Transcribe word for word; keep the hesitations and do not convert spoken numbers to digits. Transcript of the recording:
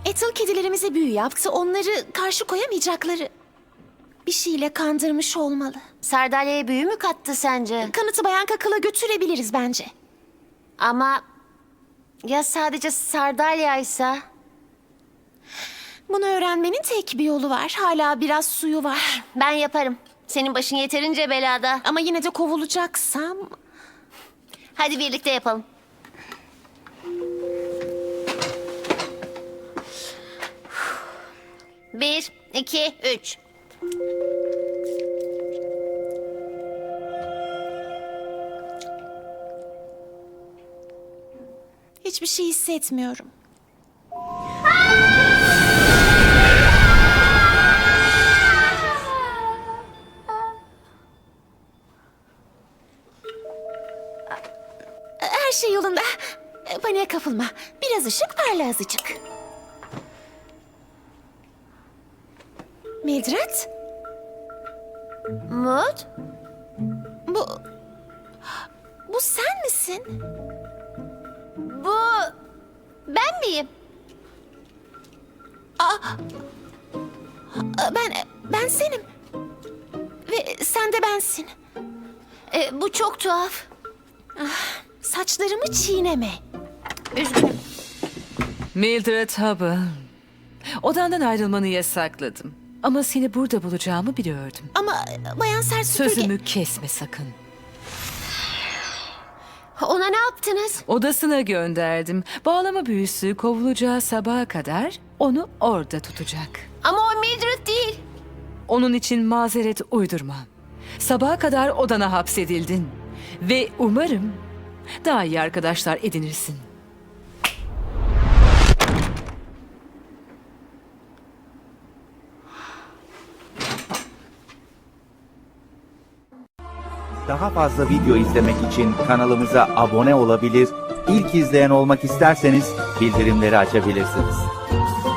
Ethel kedilerimize büyü yaptı. Onları karşı koyamayacakları bir şeyle kandırmış olmalı. Sardalya'ya büyü mü kattı sence? Kanıtı Bayan Kakıl'a götürebiliriz bence. Ama ya sadece Sardalya'ysa? Bunu öğrenmenin tek bir yolu var. Hala biraz suyu var. Ben yaparım. Senin başın yeterince belada. Ama yine de kovulacaksam... Hadi birlikte yapalım. Bir, iki, üç. Hiçbir şey hissetmiyorum. Her şey yolunda. Paniğe kapılma. Biraz ışık, parla azıcık. Mildred, Mut? bu... Bu sen misin? Bu ben miyim? Ben, ben senim. Ve sen de bensin. E, bu çok tuhaf. Saçlarımı çiğneme. Üzgünüm. Mildred Hubble. Odandan ayrılmanı yasakladım. Ama seni burada bulacağımı biliyordum. Ama Bayan Sert Süpürge... Sözümü kesme sakın. Ona ne yaptınız? Odasına gönderdim. Bağlama büyüsü kovulacağı sabaha kadar onu orada tutacak. Ama o Mildred değil. Onun için mazeret uydurma. Sabaha kadar odana hapsedildin. Ve umarım daha iyi arkadaşlar edinirsin. Daha fazla video izlemek için kanalımıza abone olabilir, ilk izleyen olmak isterseniz bildirimleri açabilirsiniz.